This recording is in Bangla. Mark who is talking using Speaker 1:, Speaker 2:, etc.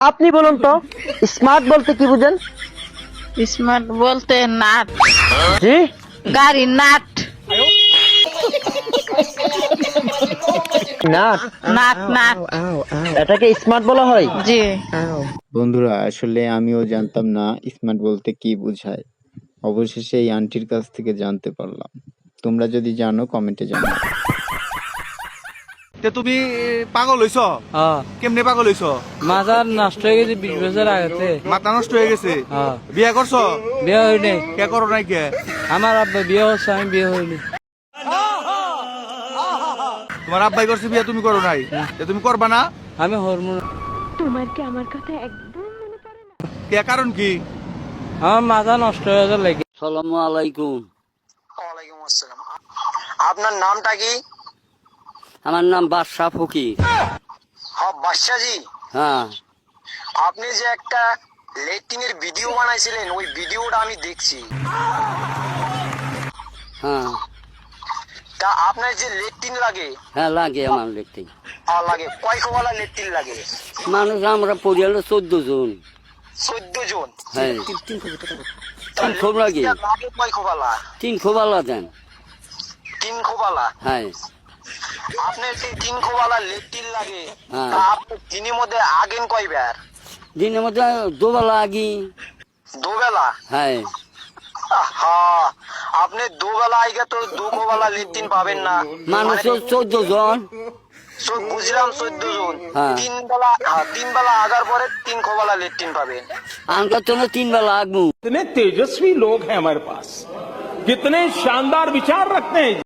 Speaker 1: আপনি বলুন তো স্মার্ট বলতে কি বুঝেন?
Speaker 2: স্মার্ট বলতে নাট,
Speaker 1: জি,
Speaker 2: গাড়ি নাট,
Speaker 1: নাট।
Speaker 2: নাট নাট।
Speaker 1: এটাকে স্মার্ট বলা হয়?
Speaker 2: জি।
Speaker 3: বন্ধুরা, আসলে আমিও জানতাম না স্মার্ট বলতে কি বোঝায়। অবশেষে এই আন্টির কাছ থেকে জানতে পারলাম। তোমরা যদি জানো কমেন্টে জানাও।
Speaker 4: তে তুমি পাগল হইছ? কেমনে পাগল হইছ?
Speaker 5: মাজার নষ্ট হয়ে গেছে 20 বছর আগেতে।
Speaker 4: মাথা নষ্ট হয়ে গেছে?
Speaker 5: হ্যাঁ।
Speaker 4: বিয়া করছ?
Speaker 5: বিয়ে হয়নি।
Speaker 4: কে করো নাই কে?
Speaker 5: আমার আব্বা বিয়ে হচ্ছে, আমি বিয়ে হয়নি।
Speaker 4: তোমার আব্বাই করছে বিয়া, তুমি করো নাই? তে তুমি করবা না?
Speaker 5: আমি হরমোন।
Speaker 6: তোমার কি আমার কথা একদম মনে পড়ে না?
Speaker 4: কে কারণ কি?
Speaker 5: আমার মাথা নষ্ট হয়ে যাওয়ার লাগে।
Speaker 7: সালামু আলাইকুম।
Speaker 8: ওয়ালাইকুম আসসালাম। আপনার নামটা কি?
Speaker 7: আমার নাম বাদশাহ ফকির।
Speaker 8: হ্যাঁ, বাদশাজি।
Speaker 7: হ্যাঁ,
Speaker 8: আপনি যে একটা লেট্রিনের ভিডিও বানাইছিলেন, ওই ভিডিওটা আমি দেখছি।
Speaker 7: হ্যাঁ,
Speaker 8: তা আপনার যে লেট্রিন লাগে,
Speaker 7: হ্যাঁ লাগে আমার দেখতে।
Speaker 8: লাগে কয় খোবালা লেট্রিন লাগে?
Speaker 7: মানুষ আমরা পরিবারে 14 জন।
Speaker 8: 14 জন।
Speaker 7: হ্যাঁ,
Speaker 8: তা
Speaker 7: তিন খোপ লাগে।
Speaker 8: লেট্রিনটা লাগে কয় খোবালা?
Speaker 7: 3 খোবালা দেন।
Speaker 8: 3 খোবালা।
Speaker 7: হ্যাঁ,
Speaker 8: আপনার যে 3 খোবালা লেট্রিন লাগে,
Speaker 7: হ্যাঁ।
Speaker 8: তা আপনি দিনের মধ্যে আগেন কয়বার?
Speaker 7: দিনের মধ্যে দুবেলা আগি।
Speaker 8: দুবেলা।
Speaker 7: হ্যাঁ,
Speaker 8: হ্যাঁ, আপনি দুবেলা আগে তো 2 খোবালা লেট্রিন পাবেন না।
Speaker 7: মানুষ 14 জন।
Speaker 8: বুঝলাম 14 জন।
Speaker 7: হ্যাঁ।
Speaker 8: 3 বেলা আগার পরে 3 খোবালা লেট্রিন পাবেন।
Speaker 7: আমরা তো 3 বেলা আগবো।
Speaker 9: कितने तेजस्वी लोग हैं हमारे पास, कितने शानदार विचार रखते हैं।